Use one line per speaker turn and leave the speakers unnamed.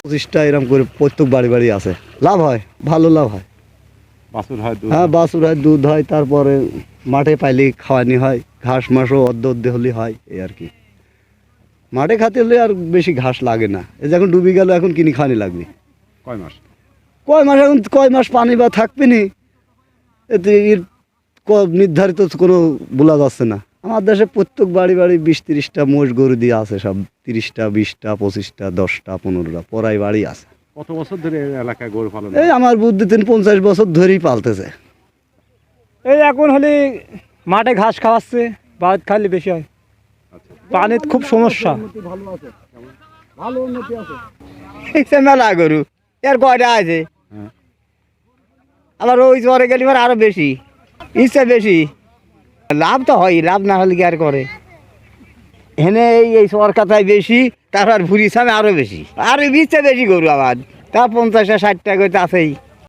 25টা এরকম করে প্রত্যেক বাড়ি বাড়ি আছে। লাভ হয়, ভালো লাভ হয়।
বাছুর হয়, দুধ
হ্যাঁ, বাছুর হয়, দুধ হয়, তারপরে মাঠে পাইলে খাওয়ানি হয়, ঘাস মাসও অর্ধে হলে হয়, এই আর কি। মাঠে খাতে হলে আর বেশি ঘাস লাগে না। এই যখন ডুবে গেল এখন কিনে খাওয়ানি লাগবে।
কয় মাস?
এখন কয় মাস পানি বা থাকবে নি, এতে এর নির্ধারিত কোনো বলা যাচ্ছে না। আমার দেশে প্রত্যেক বাড়ি বাড়ি 20-30টা মোষ গরু দিয়ে আছে, সব 30টা 20টা 25টা 10টা 15টা পরাই বাড়ি আছে।
কত বছর ধরে এই এলাকায় গরু পালন?
এই আমার বুদ্ধি 50 বছর ধরেই পালতেছে।
এই এখন হলে মাঠে ঘাস খাওয়াচ্ছে, ভাত খাইলে বেশি হয়। পানির খুব সমস্যা।
ভালো উন্নতি আছে।
মেলা গরু এর কয়টা আছে,
হ্যাঁ।
আবার ওই জ্বরে গেলে আরো বেশি ইচ্ছা বেশি। লাভ তো হয়, লাভ না হলে কি আর করে। এখানে এই সরকারটাই বেশি, তারপর ভুরি সামে আরো বেশি, আরো ইচ্ছা বেশি গরু আমার। তা 50-60টা করে আছেই।